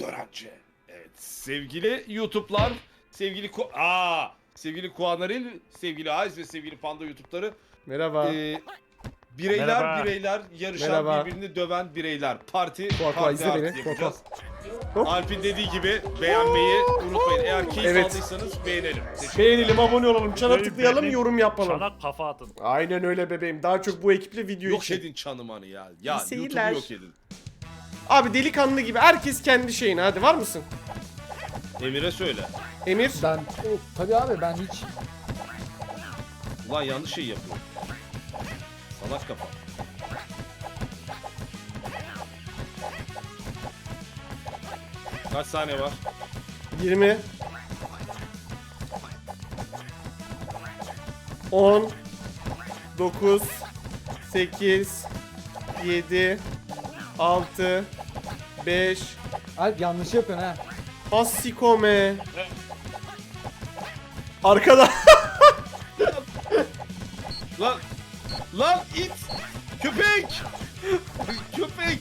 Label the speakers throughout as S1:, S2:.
S1: Dörenci. Evet sevgili YouTube'lar, sevgili sevgili Kuanaril, sevgili Ayz ve sevgili Panda YouTube'ları.
S2: Merhaba.
S1: Bireyler yarışan,
S2: Merhaba.
S1: birbirini döven bireyler. Parti
S2: izle
S1: artı
S2: beni.
S1: yapacağız.
S2: Hop.
S1: Alp'in dediği gibi beğenmeyi unutmayın. Eğer keyif
S2: Evet.
S1: aldıysanız beğenelim.
S2: Beğenelim, abone olalım, çana
S3: Videoyu
S2: tıklayalım,
S3: beğenip
S2: yorum yapalım.
S3: Çanak kafa atın.
S2: Aynen öyle bebeğim. Daha çok bu ekiple video
S1: Yok
S2: için.
S1: edin çanımanı ya. Ya
S2: İyi
S1: YouTube'u
S2: seyirler.
S1: yok edin.
S2: Abi delikanlı gibi herkes kendi şeyine. Hadi var mısın?
S1: Emir'e söyle.
S2: Emir.
S4: Ben tabii abi ben hiç
S1: Ulan yanlış şey yapıyor. Salak kafa. Kaç saniye var?
S2: 20 10 9 8 7 6 5
S4: Alp yanlış yapıyorsun ha.
S2: Asikome. Arkada.
S1: Lan! Lan it! Köpek! Köpek!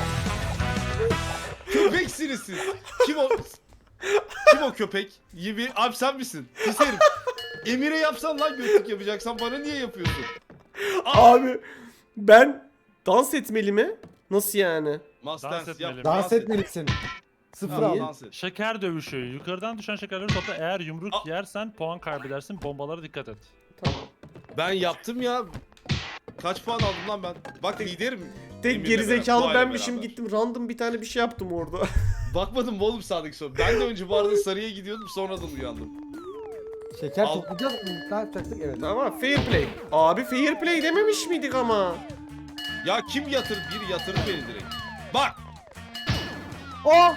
S1: Köpeksiniz siz. Kim o? Kim o köpek? Abi sen misin? Pis herif. Emir'e yapsan lan götlük yapacaksan bana niye yapıyorsun?
S2: Abi ben dans etmeli mi? Nasıl yani?
S1: Must
S3: Dans
S1: dance
S3: etmeli.
S1: yap.
S4: Dans etmelisin. Sıfır
S1: Tamam,
S4: al.
S1: dans et.
S3: Şeker dövüşü. Yukarıdan düşen şekerleri topla. Eğer yumruk
S1: Aa.
S3: yersen puan kaybedersin. Bombalara dikkat et.
S2: Tamam.
S1: Ben yaptım ya. Kaç puan aldım lan ben? Bak liderim.
S2: Tek
S1: Emir'le
S2: gerizekalı
S1: beraber, bu aile
S2: benmişim,
S1: beraber.
S2: gittim random bir tane bir şey yaptım orada.
S1: Bakmadım mı oğlum sağdaki sonra? Ben de önce bu arada sarıya gidiyordum sonradan uyandım.
S4: Şeker
S1: Al.
S4: toplayacağız. Ne yapacaktık? Evet.
S2: Tamam, fair play. Abi fair play dememiş miydik ama?
S1: Ya kim yatır? Biri yatırdı beni direkt. Bak!
S4: Oh!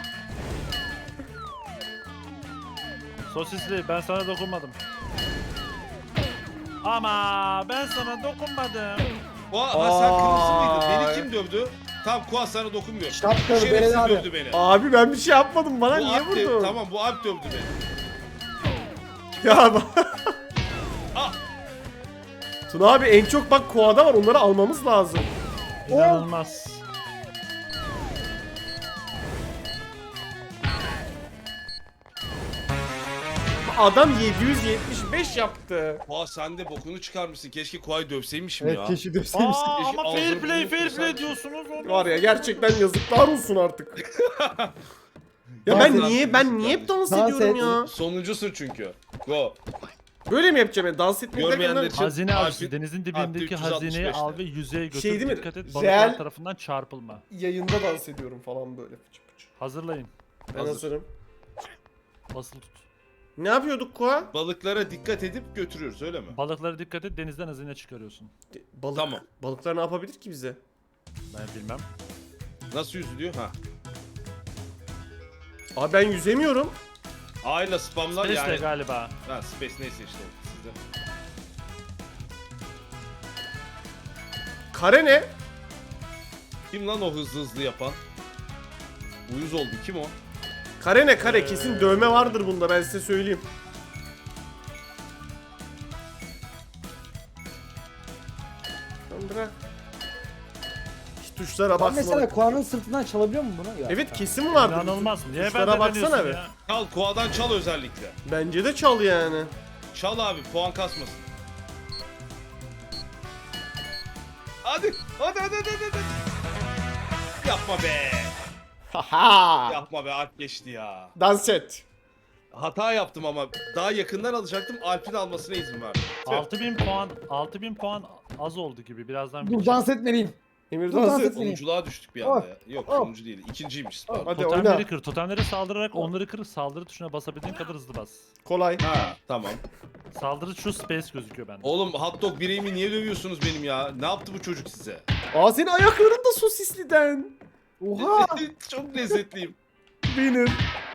S3: Sosisli ben sana dokunmadım. Ama ben sana dokunmadım.
S1: Sen kırmızı mıydın?
S2: Ay.
S1: Beni kim dövdü? Tamam Kuas sana dokunmuyor.
S4: Şapkalı
S1: Şerefsiz
S4: Beren abi.
S1: dövdü beni.
S2: Abi ben bir şey yapmadım, bana
S1: Bu
S2: niye
S1: Alp de-
S2: vurdun?
S1: Tamam bu Alp dövdü beni.
S2: Ya bak.
S1: Ah!
S2: Tuna abi en çok bak koada var, onları almamız lazım.
S3: İnanılmaz.
S2: Adam 775 yaptı.
S1: Kuas sen de bokunu çıkarmışsın. Keşke Kuay'ı dövseymişim
S4: Evet
S1: ya.
S4: keşke dövseymişsin.
S3: Aa,
S1: Eşi
S3: ama
S1: ağzını
S3: fair play
S1: burnunu
S3: fair
S1: kırsan-
S3: play diyorsunuz. Onu.
S2: Var ya, gerçekten yazıklar olsun artık. Ya
S4: Dans
S2: ben
S4: et.
S2: niye hep dans
S4: Dans
S2: ediyorum
S4: et.
S2: ya?
S1: Sonuncusun çünkü. Go.
S2: Böyle mi yapacağım ben? Dans etmeyi
S1: Görmeyenler
S2: derken
S1: için-
S3: Hazine avcısı.
S1: Alp'in-
S3: Denizin
S1: Alp'in
S3: dibindeki
S1: 365'te.
S3: hazineyi al ve yüzeye götür.
S2: Şey değil mi?
S3: Dikkat et.
S2: Real-
S3: Balıklar tarafından çarpılma.
S2: yayında dans ediyorum falan böyle. Fıçı fıçı.
S3: Hazırlayın.
S2: Ben
S1: Hazır.
S2: hazırım.
S3: Basılı tut.
S2: Ne yapıyorduk Koa?
S1: Balıklara dikkat edip götürüyoruz öyle mi?
S3: Balıklara dikkat et. Denizden hazine çıkarıyorsun.
S2: Balık.
S1: Tamam.
S2: Balıklar ne yapabilir ki bize?
S3: Ben bilmem.
S1: Nasıl yüzülüyor? Ha.
S2: Abi ben yüzemiyorum.
S1: A ile spamla
S3: Space'le
S1: yani.
S3: galiba.
S1: Ha space neyse işte o sizde.
S2: Kare ne?
S1: Kim lan o hızlı yapan? Uyuz oldu kim o?
S2: Kare ne kare? Kesin dövme vardır bunda, ben size söyleyeyim. Tamam, bırak. Hiç tuşlara
S4: Ben
S2: baksana.
S4: mesela Kuan'ın sırtından çalabiliyor mu bunu? Ya.
S2: Evet kesin vardır.
S3: İnanılmaz. Niye
S2: Tuşlara
S3: ben de
S2: baksana
S3: deniyorsun
S2: be.
S3: ya?
S1: Çal Koa'dan çal özellikle.
S2: Bence de çal yani.
S1: Çal abi puan kasmasın. Hadi. Yapma be.
S2: Haha.
S1: Yapma be Alp geçti ya.
S2: Dans et.
S1: Hata yaptım ama daha yakından alacaktım. Alp'in almasına izin verdim.
S3: 6000 puan az oldu gibi. Birazdan
S4: Dur dans etmeliyim.
S2: Emir
S4: Dur,
S2: dans
S4: dans
S2: et.
S4: et.
S1: Sonunculuğa düştük bir anda ya. Yok sonuncu değil. İkinciymiş Spam.
S2: Hadi
S3: Totemleri
S2: oyna.
S3: kır. Totemleri saldırarak onları kır. Saldırı tuşuna basabildiğin kadar hızlı bas.
S2: Kolay.
S1: Ha tamam.
S3: Saldırı şu space gözüküyor bende.
S1: Oğlum hot dog bireğimi niye dövüyorsunuz benim ya? Ne yaptı bu çocuk size?
S2: Aa, senin ayakların da sosisliden.
S4: Oha!
S1: Çok lezzetliyim.
S2: Benim.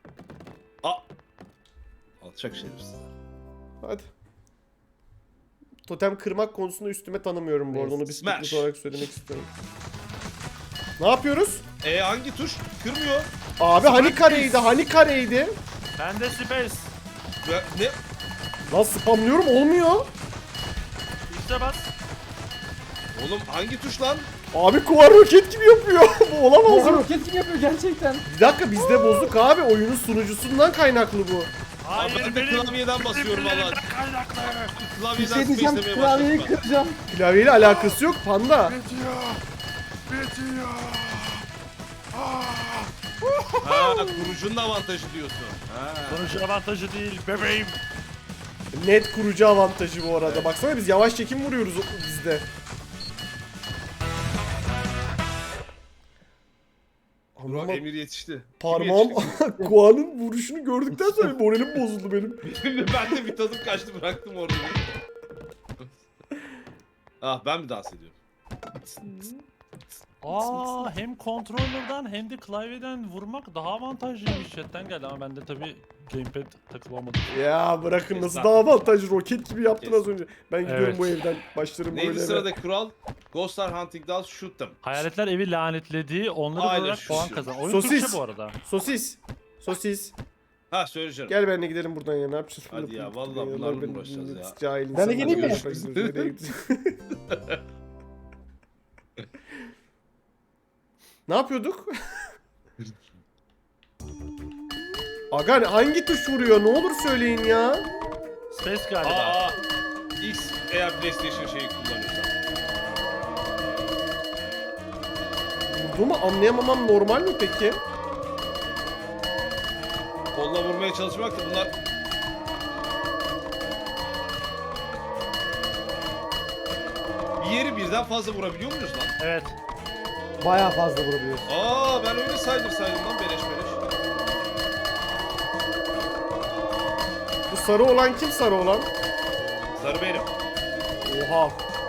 S1: Alçak şerefsiz.
S2: Hadi. Totem kırmak konusunda üstüme tanımıyorum bu arada, onu bir
S1: Smash.
S2: spiklet olarak söylemek istiyorum. Ne yapıyoruz?
S1: Hangi tuş? Kırmıyor.
S2: Abi hani kareydi, hani kareydi?
S3: Bende space.
S1: Ne?
S2: Lan spamlıyorum, olmuyor.
S3: İşte bas.
S1: Oğlum hangi tuş lan?
S2: Abi Koa roket gibi yapıyor. Bu olamaz
S4: Oha
S2: mı?
S4: roket gibi yapıyor gerçekten.
S2: Bir dakika bizde bozduk abi. Oyunun sunucusundan kaynaklı bu.
S1: Abi
S3: Hayır
S1: ben de
S3: benim
S1: klavyeden basıyorum valla.
S3: sinirlerimden kaynaklı.
S4: Bir
S1: Klavyeden
S4: şey diyeceğim
S1: space'lemeye
S4: klavyeyi
S1: başladım
S4: kıracağım.
S2: Klavyeyle alakası yok panda.
S1: ben. Ha kurucunun avantajı diyorsun. Ha.
S3: Sonuç avantajı değil bebeğim.
S2: Net kurucu avantajı bu arada. Baksana biz yavaş çekim vuruyoruz bizde.
S1: Bro
S2: Ama
S1: Emir yetişti. Kim
S2: parmağım
S1: yetişti?
S2: Koa'nın vuruşunu gördükten sonra moralim bozuldu benim.
S1: Ben de bir tadım kaçtı bıraktım orada. Ah ben mi dans ediyorum?
S3: Aa hem kontrollerden hem de klavyeden vurmak daha avantajlıymış chatten geldi ama bende tabi gamepad takılı olmadı.
S2: Ya bırakın nasıl
S1: Kes
S2: daha avantajlı roket gibi yaptın
S1: Kes.
S2: az önce. Ben gidiyorum
S3: Evet.
S2: bu evden. Başlarım bu
S1: Neydi
S2: evde.
S1: sıradaki kural? Ghostlar hunting dolls shoot them.
S3: Hayaletler evi lanetlediği onları
S1: Aynen,
S3: vurarak
S1: şu
S3: puan
S1: şu.
S3: kazan. Oyun
S2: Sosis.
S3: Türkçe bu arada.
S2: Sosis. Sosis.
S1: Ha söyleyeceğim.
S2: Gel benimle gidelim buradan ya. Ne yapacağız?
S1: Hadi ya, vallahi
S2: Ya,
S1: bunlarla
S2: ben-
S1: uğraşacağız ya.
S2: Cahil
S4: Ben de
S2: insanlarla
S4: geleyim mi?
S2: uğraşmak istiyoruz. Nereye gidiyorsun? Ne yapıyorduk? Aga hangi tuş vuruyor? Ne olur söyleyin ya.
S3: Space galiba.
S1: Aa, X eğer PlayStation şeyi kullanıyorsan.
S2: Vurduğumu anlayamamam normal mi peki?
S1: Kolla vurmaya çalışmak da bunlar... Bir yeri birden fazla vurabiliyor muyuz lan?
S3: Evet.
S4: Bayağı fazla vurabiliyorsun.
S1: Aa ben öyle saydım lan beleş beleş.
S2: Bu sarı olan kim sarı olan?
S1: Sarı benim.
S2: Oha.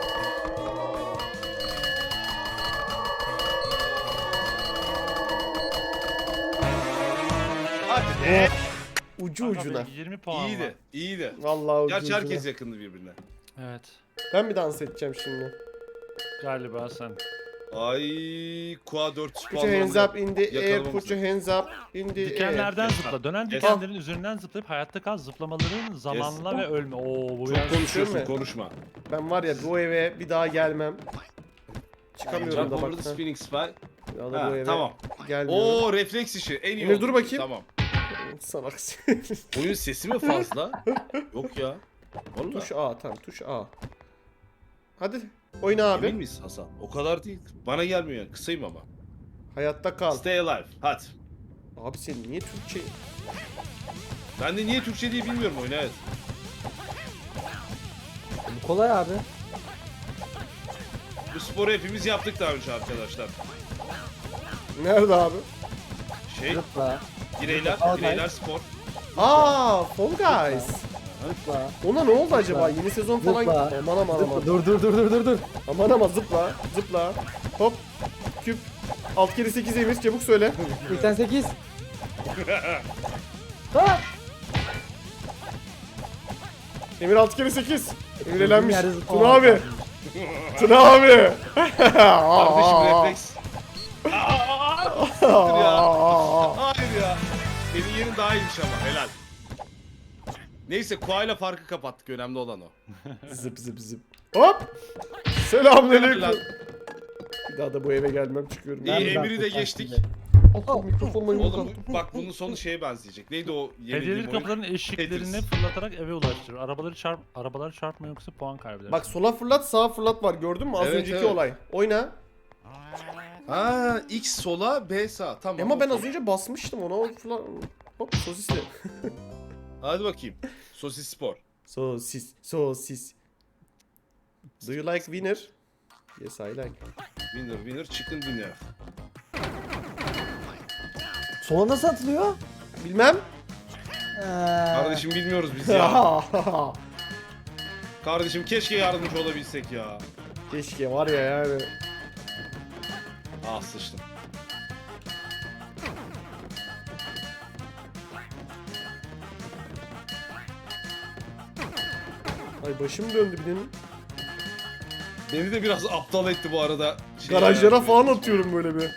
S1: Hadi be.
S2: Ucu
S3: Kanka
S2: ucuna.
S3: benim 20 puan var.
S1: İyiydi, iyiydi.
S2: Vallahi ucu
S1: Gerçi
S2: ucuna.
S1: herkes yakındı birbirine.
S3: Evet.
S2: Ben mi dans edeceğim şimdi?
S3: Galiba sen.
S1: Ay, Kua 4
S2: Put your hands up in the air,
S1: Yakalamamız
S2: put your hands up in the air.
S3: Dikenlerden zıpla. Dönen
S1: Yes.
S3: dikenlerin üzerinden zıplayıp hayatta kal. Zıplamaların zamanla ve ölme. Oo bu
S1: Çok
S3: biraz...
S1: konuşuyorsun,
S2: mi?
S1: konuşma.
S2: Ben var ya bu eve bir daha gelmem. Çıkamıyorum
S1: Jump
S2: da
S1: over
S2: bak.
S1: the
S2: ha.
S1: spinning spy.
S2: Bir daha da
S1: Ha,
S2: bu eve
S1: tamam.
S2: gelmiyorum.
S1: Oo refleks işi en iyi
S2: Emir,
S1: oldu.
S2: dur bakayım.
S1: Tamam.
S2: Salak.
S1: Oyun sesi mi fazla? Yok ya. Vallahi.
S2: Tuş A tamam tuş A. Hadi oyna abi.
S1: Emin miyiz Hasan? O kadar değil. Bana gelmiyor yani. Kısayım ama.
S2: Hayatta kal.
S1: Stay alive. Hadi.
S2: Abi sen niye Türkçe?
S1: Ben de niye Türkçe diye bilmiyorum oyunu evet.
S4: Bu kolay abi.
S1: Bu sporu hepimiz yaptık daha önce arkadaşlar.
S2: Nerede abi?
S1: Şey,
S4: Zıpla.
S1: bireyler spor.
S2: Aa, Fall Guys.
S4: Zıpla.
S2: Ona ne oldu acaba? Yeni sezon falan.
S4: Zıpla.
S2: Aman aman aman.
S4: Zıpla. Dur.
S2: Aman aman zıpla. Zıpla. Hop. Küp. 6 kere 8 Emir çabuk söyle.
S4: 88. Ha!
S2: Emir 6 kere 8. Emir elenmiş.
S4: Yerde zıpla.
S2: Tuna abi. Tuna abi.
S1: Kardeşim refleks. Hayır ya. Senin yerin daha iyiymiş ama helal. Neyse Kua'yla farkı kapattık. Önemli olan o.
S2: Zıp zıp zıp. Hop. Selamünaleyküm.
S1: Helal.
S2: Bir daha da bu eve gelmem çıkıyorum.
S1: İyi
S4: Ben
S1: Emir'i de
S4: kurtar
S1: geçtik.
S4: şimdi.
S2: Oh, mikrofonla yumruk
S1: Oğlum
S2: attım.
S1: bak bunun sonu şeye benzeyecek. Neydi o
S3: Hediyelik
S1: yenildiğim oyun?
S3: kapıların eşiklerini
S1: Tetris.
S3: fırlatarak eve ulaştırır. Arabaları çarpma yoksa puan kaybeder.
S2: Bak sola fırlat sağa fırlat var gördün mü az
S1: Evet,
S2: önceki
S1: evet.
S2: olay. Oyna.
S1: Ha X sola B sağ. Tamam.
S2: Ama ben
S1: okey.
S2: az önce basmıştım ona. Hop sosisli.
S1: Hadi bakayım. Sosis spor.
S2: Sosis. Do you like winner? Yes I like.
S1: Winner chicken dinner.
S4: Sola nasıl atılıyor?
S2: Bilmem.
S1: Kardeşim bilmiyoruz biz ya. Kardeşim keşke yardımcı olabilsek ya.
S2: Keşke var ya yani.
S1: Ah sıçtım.
S2: Ay başım döndü benim.
S1: Beni de biraz aptal etti bu arada.
S2: Garajlara falan atıyorum böyle bir.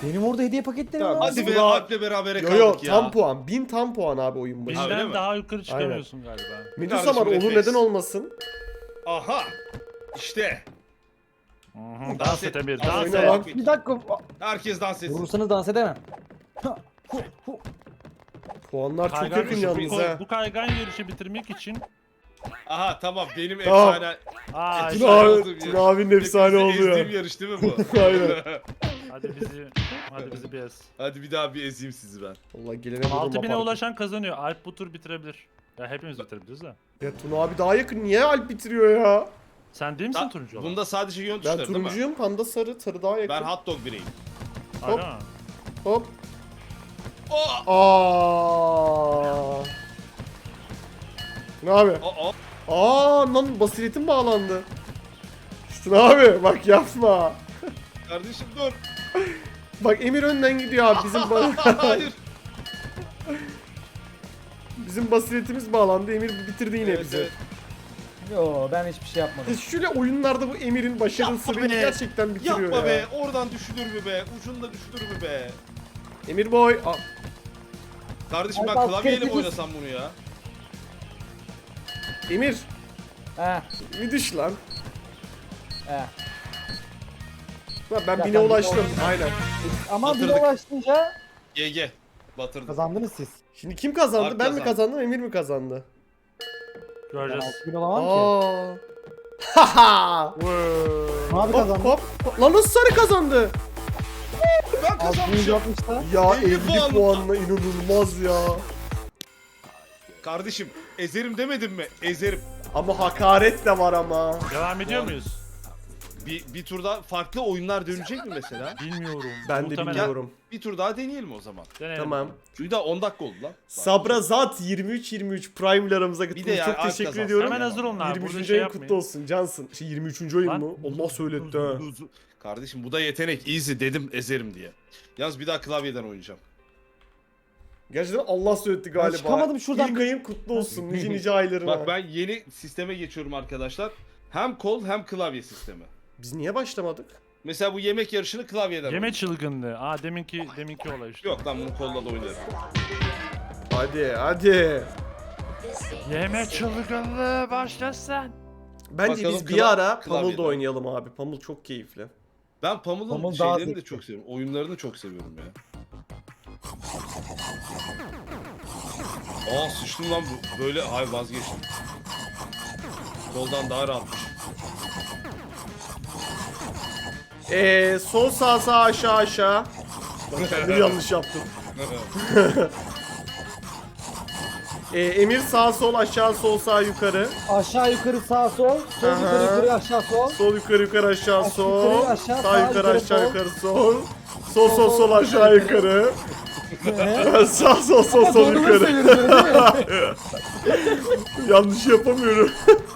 S4: Benim orada hediye paketleri
S2: Tamam,
S4: var.
S1: Hadi
S2: Biz
S1: be
S2: buna-
S1: Alp'le berabere
S2: Yo
S1: kaldık
S2: yo
S1: ya.
S2: tam puan. 1000 tam puan abi oyun başı.
S1: öyle
S3: Bizden
S1: mi?
S3: daha yukarı çıkamıyorsun galiba.
S2: Medusa
S1: Kardeşim,
S2: var olur
S1: refleks.
S2: neden olmasın?
S1: Aha. İşte.
S3: Dans et Emir, dans
S2: Oyna
S3: et.
S2: lan.
S4: Bir dakika.
S1: Herkes dans etsin.
S4: Vurursanız dans edemem. Ha, hu, hu.
S2: Puanlar çok
S3: Kaygan
S2: yakın
S3: yarışı-
S2: yalnız ha.
S3: bu kaygan yarışı bitirmek için
S1: Aha tamam benim
S2: Tamam.
S1: efsane.
S3: aa
S1: Tuna
S3: işte,
S1: abi-
S2: Tuna abinin efsane oldu
S1: Ezdiğim
S2: ya.
S1: yarış değil mi bu?
S2: Aynen.
S3: hadi bizi bir ez.
S1: Hadi bir daha bir ezeyim sizi ben.
S2: Allah gelene vurdum
S3: 6000'e
S2: apartı.
S3: ulaşan kazanıyor. Alp bu tur bitirebilir. Ya hepimiz bitirebiliriz de.
S2: Ya Tuna abi daha yakın niye Alp bitiriyor ya?
S3: Sen değil misin turuncu olan?
S1: Bunda sadece yön
S2: Ben
S1: tuşları değil mi?
S2: turuncuyum, panda sarı, sarı daha yakın.
S1: Ben hot dog bireyim.
S2: hop.
S3: Aga.
S2: Hop.
S1: Oh!
S2: Aa. Ne abi?
S1: Oh, oh.
S2: Lan basiretim bağlandı. Tuna abi bak yapma.
S1: Kardeşim dur.
S2: Bak Emir önden gidiyor abi bizim
S1: Hayır.
S2: bizim basiretimiz bağlandı. Emir bitirdi yine
S1: Evet,
S2: bizi.
S1: evet.
S4: Yo ben hiçbir şey yapmadım.
S2: Şöyle oyunlarda bu Emir'in başarılı
S1: Yapma
S2: sırrını
S1: be.
S2: gerçekten bitiriyor
S1: Yapma
S2: ya.
S1: be. Oradan düşülür mü be? Ucunda düşülür mü be?
S2: Emir boy.
S1: Kardeşim ben
S4: Alp, alt
S1: klavyeyle mi
S4: kere
S1: oynasam bunu ya?
S2: Emir
S4: He.
S2: bir düş lan.
S4: He.
S2: Lan ben
S4: Ya
S2: bine
S4: ben
S2: ulaştım.
S4: bine
S2: Aynen.
S4: Ama bir
S1: Batırdık.
S4: ulaşınca
S1: GG. Batırdım.
S4: kazandınız siz.
S2: Şimdi kim kazandı?
S1: Alp
S2: Ben mi
S1: kazandı.
S2: kazandım, Emir mi kazandı?
S4: Ben
S3: Göreceğiz.
S4: 6000 olamam ki.
S2: Aa. Haha.
S4: Abi
S2: Hop
S4: kazandı.
S2: hop. Lan nasıl sarı kazandı?
S1: Ben kazanmışım.
S4: 6060'da.
S2: Ya
S1: 50
S2: 50
S1: puanla.
S2: puanla inanılmaz ya.
S1: Kardeşim ezerim demedim mi? Ezerim.
S2: Ama hakaret de var ama.
S3: Devam ediyor muyuz?
S1: Bir turda farklı oyunlar dönecek mi mesela?
S3: Bilmiyorum.
S2: Ben de
S3: Muhtemelen.
S2: bilmiyorum.
S1: Bir tur daha deneyelim o zaman.
S3: Deneyelim.
S2: Tamam.
S1: Çünkü daha 10 dakika oldu lan.
S2: Sabrazat 23 Prime ile aramıza
S1: Bir de
S2: katıldı.
S1: ya,
S2: Çok
S1: Alp
S2: teşekkür
S1: kazansın.
S2: ediyorum.
S3: Hemen hazır olun abi.
S2: 23.
S3: Burada şey
S2: ayın kutlu
S3: yapmayın.
S2: olsun Cansın. 23. ayın
S3: Lan.
S2: mı? Allah söyletti ha.
S1: Kardeşim bu da yetenek. Easy dedim ezerim diye. Yalnız bir daha klavyeden oynayacağım.
S2: Gerçekten Allah söyletti galiba.
S4: çıkamadım şuradan.
S2: İlk ayın kutlu olsun nice nice aylarına.
S1: Bak ben yeni sisteme geçiyorum arkadaşlar. Hem kol hem klavye sistemi.
S2: Biz niye başlamadık?
S1: Mesela bu yemek yarışını klavyeden
S3: Yeme
S1: oynayacağım.
S3: çılgınlığı. Aa deminki olay işte.
S1: Yok lan bunu kolla da oynarım.
S2: Hadi.
S3: Yeme çılgınlığı başlasın.
S2: Bence
S1: Bakalım
S2: biz bir ara
S1: klavyeden.
S2: Pummel da oynayalım abi. Pummel çok keyifli.
S1: Ben Pamuk'un
S4: Pamuk daha
S1: şeylerini de
S4: zevkli.
S1: çok seviyorum. Oyunlarını çok seviyorum ya. Aa sıçtım lan bu. Böyle hayır vazgeçtim. Koldan daha rahatmış.
S2: Sol sağ aşağı. Ben yanlış yaptım. Emir sağ sol aşağı sol sağ yukarı.
S4: Aşağı yukarı sağ sol. Sol
S2: Aha.
S4: yukarı yukarı aşağı sol.
S2: Sol yukarı aşağı
S4: Aşağı
S2: sol.
S4: yukarı, aşağı,
S2: Sağ
S4: sağ
S2: yukarı
S4: yukarı,
S2: aşağı
S4: sol.
S2: yukarı sol. Sol aşağı yukarı. Sağ sol
S4: Doğru mu
S2: yukarı.
S4: söylüyorsun değil mi?
S2: Yanlış yapamıyorum.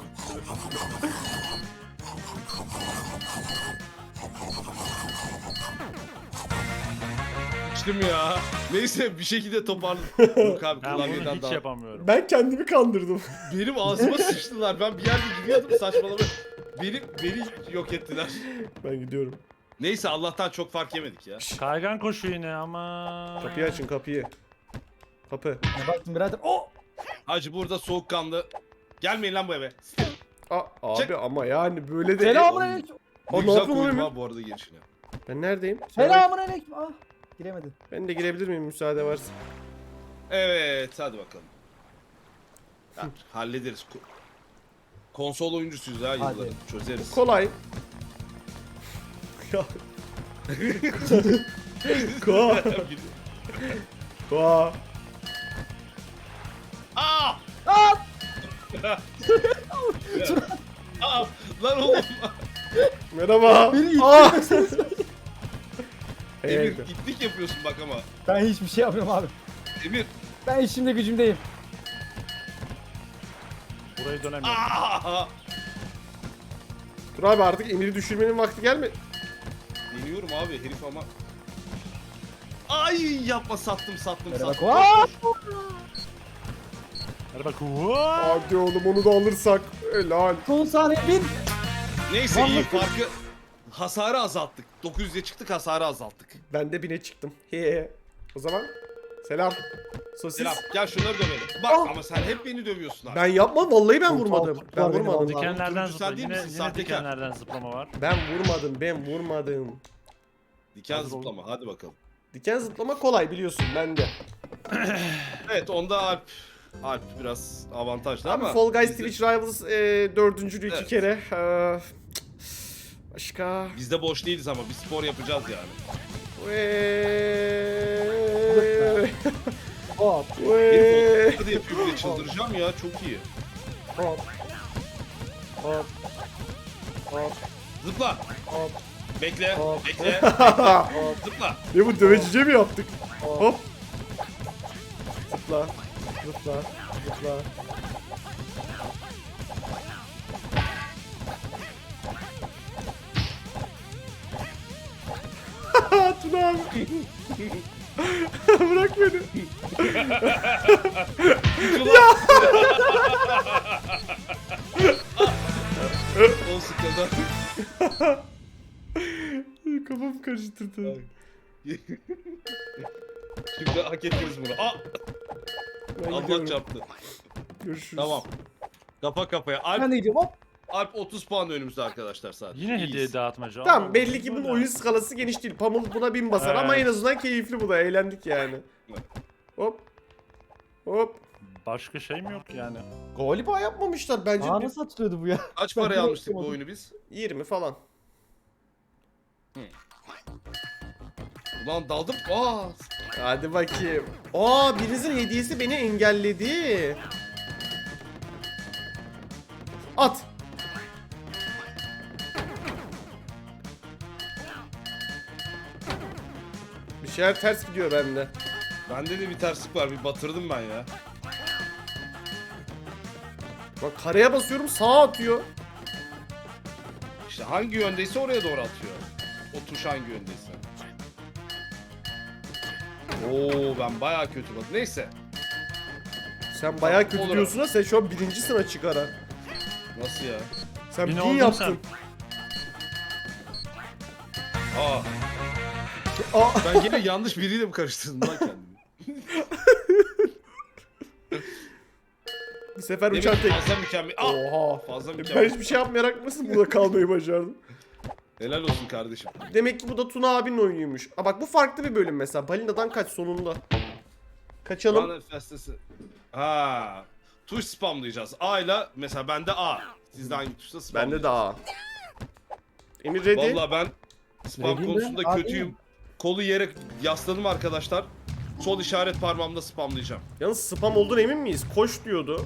S1: Sıçtım ya. Neyse bir şekilde toparladım. Yok abi
S3: Ben bunu
S1: klavyeden
S3: hiç
S1: daha.
S3: yapamıyorum.
S2: Ben kendimi kandırdım.
S1: Benim ağzıma sıçtılar. Ben bir yerde gidiyordum saçmalama. Beni yok ettiler.
S2: Ben gidiyorum.
S1: Neyse Allah'tan çok fark yemedik ya.
S3: Kaygan koşu yine ama.
S2: Kapıyı açın kapıyı. Kapı.
S4: Ya baktım birader. Oh!
S1: Hacı burada soğukkanlı. Gelmeyin lan bu eve.
S2: Abi
S1: Çık.
S2: ama yani böyle de...
S4: Selamünaleyküm.
S1: Ne
S2: ne
S1: güzel
S2: yapıyorsun
S1: koydum
S2: oğlum?
S1: ha bu arada girişine.
S2: Ben neredeyim?
S4: Selamünaleyküm. Ah. Giremedim.
S2: Ben de girebilir miyim müsaade varsa?
S1: Evet hadi bakalım. Ya, hallederiz. Konsol oyuncusuyuz ha yılların. Çözeriz.
S2: Kolay. Ya. Koa. Koa.
S1: Aa!
S4: Aa!
S1: Aa! Lan oğlum.
S2: Merhaba.
S4: Beni
S2: Aa.
S1: Emir
S2: Evet.
S1: itlik yapıyorsun bak ama.
S4: Ben hiçbir şey yapmıyorum abi.
S1: Emir.
S4: Ben işimde gücümdeyim.
S3: Burayı dönemiyorum.
S1: Aa!
S2: Dur abi artık Emir'i düşürmenin vakti gelmedi.
S1: Deniyorum abi herif ama. Ay yapma sattım.
S4: Merhaba,
S1: sattım.
S4: Koa.
S3: Hadi bak. What?
S2: Hadi oğlum onu da alırsak. Helal.
S4: Son saniye bin.
S1: Neyse iyi farkı. Hasarı azalttık. 900'e çıktık hasarı azalttık.
S2: Ben de 1000'e çıktım. He. O zaman selam. Sosis.
S1: Selam. Gel şunları dövelim. Bak ama sen hep beni dövüyorsun abi.
S2: Ben yapmam vallahi ben
S4: Çok
S2: vurmadım.
S4: tuhaf
S2: Ben
S4: var benim
S2: vurmadım.
S4: vallahi.
S3: Dikenlerden
S1: turuncu
S3: zıpla.
S1: sen değil
S3: Yine,
S1: misin?
S3: yine
S1: Sahtekar.
S3: dikenlerden zıplama var.
S2: Ben vurmadım.
S1: Diken
S3: Hazır olun.
S1: zıplama hadi bakalım.
S2: Diken zıplama kolay biliyorsun bende.
S1: Evet onda Alp biraz avantajlı
S2: Abi
S1: ama.
S2: Fall Guys
S1: bizde-
S2: Twitch Rivals dördüncülüğü 2
S1: Evet.
S2: kere. Başka.
S1: Biz de boş değiliz ama bir spor yapacağız yani.
S4: Hop
S1: Herif hadi yapıyor bile çıldıracağım ya çok iyi.
S4: hop hop hop
S1: Zıpla.
S4: hop
S1: Bekle.
S4: Hop.
S1: Bekle.
S4: hop
S1: Zıpla.
S2: Ne bu dövecice mi yaptık?
S4: hop.
S2: Hop. Zıpla. Zıpla. Zıpla. Tuna abi. Bırak beni.
S1: O sıkıldı.
S2: Kafamı karıştırdı.
S1: Şimdi hak ettiniz bunu.
S2: Ben
S1: Allah
S2: gidiyorum.
S1: çarptı.
S2: Görüşürüz.
S1: Tamam. Kafa kafaya.
S4: Ben de gidiyorum hop.
S1: Alp 30 puan önümüzde arkadaşlar sadece.
S3: Yine
S1: İyiyiz.
S3: hediye dağıtmaca.
S2: Tamam
S3: Allah
S2: belli ki bunun
S3: Allah.
S2: oyun skalası geniş değil. Pamul buna 1000 basar ama
S3: Evet.
S2: en azından keyifli bu da. Eğlendik yani.
S1: Evet.
S2: Hop. Hop.
S3: Başka şey mi yok yani?
S2: Galiba yapmamışlar bence.
S4: Aa nasıl atılıyordu bu ya?
S1: Kaç
S4: Ben
S1: paraya
S4: direkt
S1: almıştık bu
S4: yapamadım.
S1: oyunu biz?
S2: 20 falan.
S1: Ulan daldım.
S2: Hadi bakayım. Aa birinizin hediyesi beni engelledi. At. Bir şeyler ters gidiyor bende.
S1: Bende de bir terslik var. Bir batırdım ben ya.
S2: Bak kareye basıyorum sağa atıyor.
S1: İşte hangi yöndeyse oraya doğru atıyor. O tuş hangi yöndeyse. Oo ben bayağı kötü bak. Neyse.
S2: Sen bayağı kötü
S1: Olur.
S2: diyorsun ha, sen şu an birincisin açık ara.
S1: Nasıl ya?
S2: Sen
S3: Yine
S2: 1000
S3: oldun
S2: yaptın.
S1: Aa
S2: Aa.
S1: ben yine yanlış biriyle mi karıştırdım lan kendimi?
S2: Bir sefer
S1: Demek
S2: uçan
S1: ki
S2: tek.
S1: fazla mükemmel.
S2: Oha.
S1: Fazla
S2: Ben
S1: mükemmel.
S2: hiçbir şey yapmayarak nasıl burada kalmayı başardım?
S1: Helal olsun kardeşim.
S2: Demek ki bu da Tuna abinin oyunuymuş. Aa bak bu farklı bir bölüm mesela. Balina'dan kaç sonunda. Kaçalım.
S1: Bana festesi. Ha. Tuş spamlayacağız. A ile mesela bende A. Sizde hangi tuşta spamlayacağız?
S2: Bende de A. Emir ready.
S1: Vallahi ben spam
S4: Ready'im ben,
S1: konusunda
S4: A
S1: kötüyüm.
S4: değilim.
S1: Kolu yere yasladım arkadaşlar. Sol işaret parmağımda spamlayacağım.
S2: Yalnız spam olduğuna emin miyiz? Koş diyordu.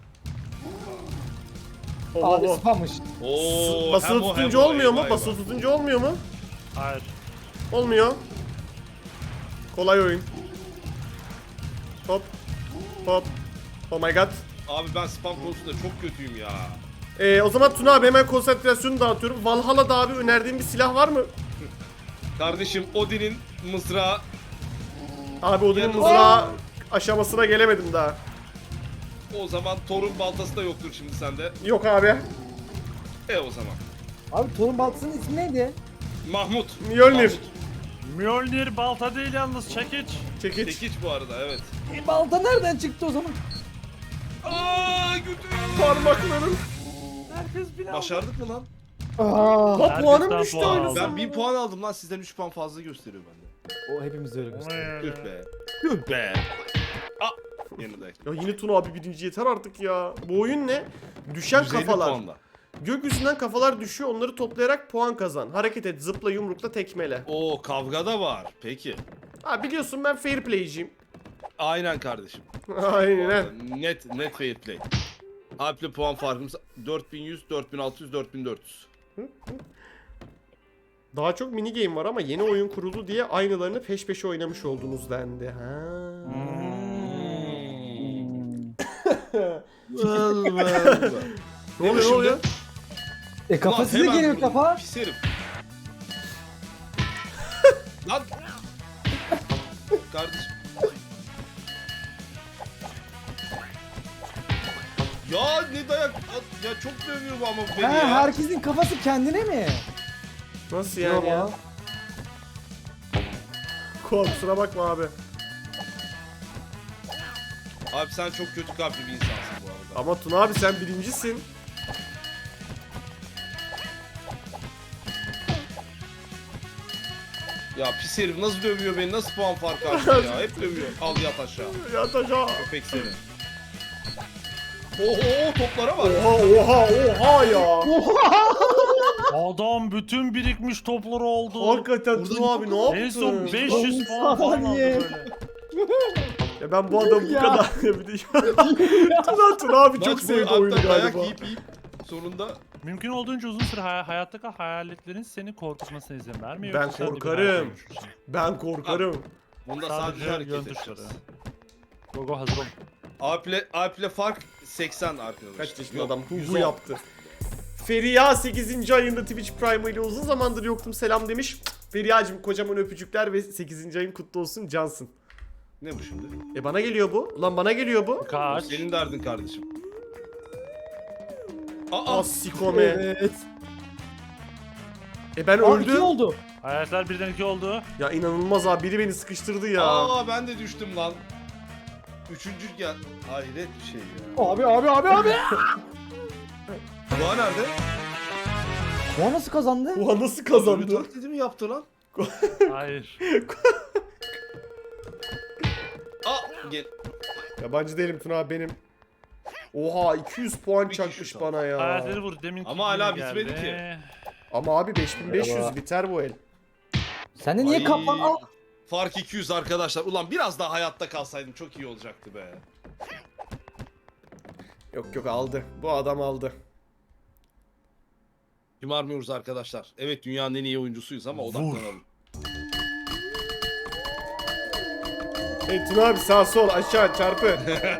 S2: Allah
S4: Abi
S2: Allah.
S4: spammış.
S1: Oo,
S2: Basılı
S1: hem o,
S2: tutunca
S1: hem o,
S2: olmuyor mu?
S1: eyvah,
S2: Basılı
S1: eyvah.
S2: tutunca olmuyor mu?
S3: Hayır.
S2: Olmuyor. Kolay oyun. Hop. Hop. Oh my god.
S1: Abi ben spam konusunda çok kötüyüm ya.
S2: O zaman Tuna abi hemen konsantrasyonu dağıtıyorum. Valhalla'da abi önerdiğin bir silah var mı?
S1: Kardeşim Odin'in mızrağı.
S2: Abi Odin'in
S1: Yanında-
S2: mızrağı aşamasına gelemedim daha.
S1: O zaman Thor'un baltası da yoktur şimdi sende.
S2: Yok abi.
S1: O zaman.
S4: Abi torun baltasının ismi neydi?
S1: Mahmut.
S2: Mjolnir.
S1: Mahmut.
S3: Mjolnir balta değil yalnız çekiç.
S2: Çekiç.
S1: Tekiç bu arada evet.
S4: Balta nereden çıktı o zaman?
S1: Aaa götürüyor.
S2: Parmaklarım.
S3: Herkes bile
S1: Başardık mı lan?
S4: Aa,
S2: La
S3: Herkes
S2: puanım
S3: daha
S2: düştü
S3: puan
S2: aynı
S3: aldı.
S1: Ben
S2: zamanda.
S1: 1000 puan aldım lan sizden 3 puan fazla gösteriyor bende.
S4: o hepimiz öyle gösteriyor.
S1: Tüh be. Tüh be. Yeniden.
S2: Ya yine Tuna abi birinci yeter artık ya. Bu oyun ne? Düşen
S1: 150
S2: kafalar.
S1: puanla.
S2: Gökyüzünden kafalar düşüyor, onları toplayarak puan kazan. Hareket et, zıpla, yumrukla, tekmele.
S1: Oo kavga da var. Peki.
S2: Ha biliyorsun ben fair play'ciyim.
S1: Aynen kardeşim. Bu
S2: Aynen.
S1: arada net fair play. Alp'le puan farkımız 4100, 4600, 4400.
S2: Daha çok mini game var ama yeni oyun kuruldu diye aynılarını peş peşe oynamış oldunuz dendi. Ha. Ne oluyor, ne oluyor?
S4: Kafa
S1: Ulan
S4: size
S1: hemen
S4: geliyor
S1: vurdum,
S4: kafa.
S1: Pis herif. Lan. Kardeşim. Ya ne dayak ya çok dövüyor bu ama beni
S4: Ha,
S1: ya.
S4: herkesin kafası kendine mi?
S2: Nasıl
S4: Yok
S2: yani ya?
S4: ya.
S2: Kuan kusura bakma abi.
S1: Abi sen çok kötü kalpli bir insansın bu arada.
S2: Ama Tuna abi sen birincisin.
S1: Ya pis herif nasıl dövüyor beni, nasıl puan farkı açıyor ya, hep dövüyor. Al yat aşağı.
S2: Yat aşağı.
S1: Köpek seni. Oho toplara bak.
S2: Oha ya.
S3: Adam bütün birikmiş topları aldı.
S2: Hakikaten
S1: Burada
S2: Tuna abi ne
S3: En
S2: yaptın?
S3: son 500 puan falan aldı
S4: Saniye.
S3: böyle.
S2: Ya ben bu adamı bu
S4: Ya.
S2: kadar bir de Tuna abi çok
S1: Maç boyu
S2: sevdi oyunu
S1: hatta dayak
S2: galiba.
S1: yiyip sonunda
S3: Mümkün olduğunca uzun süre hayatta kal, hayalletlerin seni korkutmasına izin verme.
S2: Ben
S3: yoksa sen de bir
S2: korkarım.
S3: hayata dönüşürsün.
S2: Ben korkarım.
S1: bunda
S3: Sadece
S1: sadece hareket
S3: yön
S1: edeceğiz.
S3: tuşları. Gogo hazır ol.
S1: Alp'le fark 80 arkadaşlar.
S2: Kaç yaşında
S1: Yok,
S2: adam hu
S1: 110.
S2: yaptı. Feriha 8. ayında Twitch Prime ile uzun zamandır yoktum selam demiş. Feriha'cığım kocaman öpücükler ve 8. ayın kutlu olsun cansın.
S1: Ne bu şimdi?
S2: Bana geliyor bu. Ulan bana geliyor bu.
S3: Kaç?
S1: Senin derdin kardeşim. Aa,
S2: Asikome.
S4: Evet.
S2: Ben
S4: Aa, 2
S2: öldüm.
S4: oldu.
S3: Hayaletler birden 2 oldu.
S2: Ya inanılmaz abi biri beni sıkıştırdı ya.
S1: aa ben de düştüm lan. Üçüncü gel. Hayret bir şey ya.
S4: Abi.
S1: Doğa nerede?
S4: O nasıl kazandı?
S2: Oha nasıl kazandı?
S1: Ölü taklidi mi yaptı lan?
S3: Hayır.
S1: Aa gel.
S2: Yabancı değilim Tuna abi benim. Oha 200 puan
S1: Bir
S2: çakmış
S1: kişi
S2: bana ya.
S3: Hayaletleri vur. Demin
S1: Ama hala bitmedi ki.
S2: Ama abi 5500
S4: Merhaba.
S2: biter bu el.
S4: Sen de niye
S1: Ay,
S4: kafan al?
S1: Fark 200 arkadaşlar. Ulan biraz daha hayatta kalsaydım çok iyi olacaktı be.
S2: Yok aldı. Bu adam aldı.
S1: Şımarmıyoruz arkadaşlar. Evet dünyanın en iyi oyuncusuyuz ama odaklanalım.
S2: Hey Tuna abi sağ sol aşağı çarpı.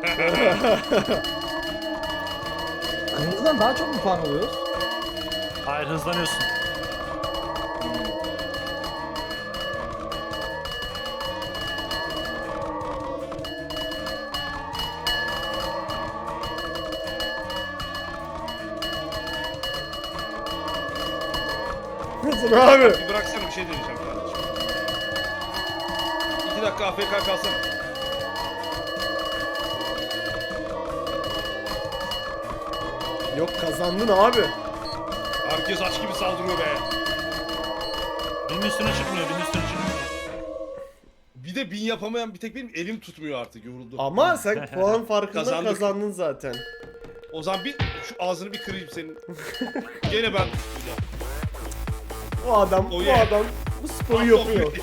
S4: Kırmızıdan daha çok mu puan alıyoruz?
S3: Hayır hızlanıyorsun.
S2: Tuna abi.
S1: Bir bıraksana bir şey deneyeceğim kardeşim. 2 dakika AFK kalsana.
S2: Yok kazandın abi.
S1: Herkes aç gibi saldırıyor be.
S3: Birinin üstüne çıkmıyor. Birinin üstüne çıkmıyor.
S1: Bir de 1000 yapamayan bir tek benim elim tutmuyor artık yoruldum.
S2: Ama sen puan farkında
S1: Kazandık.
S2: kazandın zaten.
S1: O zaman bir şu ağzını bir kırayım senin. Gene ben.
S2: Bu adam,
S1: Oh
S2: bu
S1: yeah.
S2: adam bu sporu yapıyor.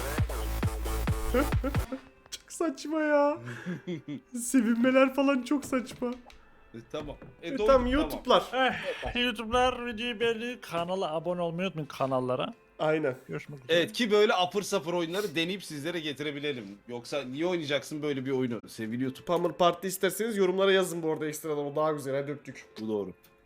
S2: Çok saçma ya. Sevinmeler falan çok saçma.
S1: Tamam.
S2: Tamam
S1: Tamam.
S2: YouTube'lar.
S3: YouTube'lar videoyu beğenmeyi, kanala abone olmayı unutmayın kanallara.
S2: Aynen.
S3: Görüşmek üzere.
S1: Evet ki böyle apır sapır oyunları deneyip sizlere getirebilelim. Yoksa niye oynayacaksın böyle bir oyunu sevgili YouTube?
S2: Pamir Parti isterseniz yorumlara yazın bu arada ekstradan o daha güzel hadi öptük.
S1: Bu doğru.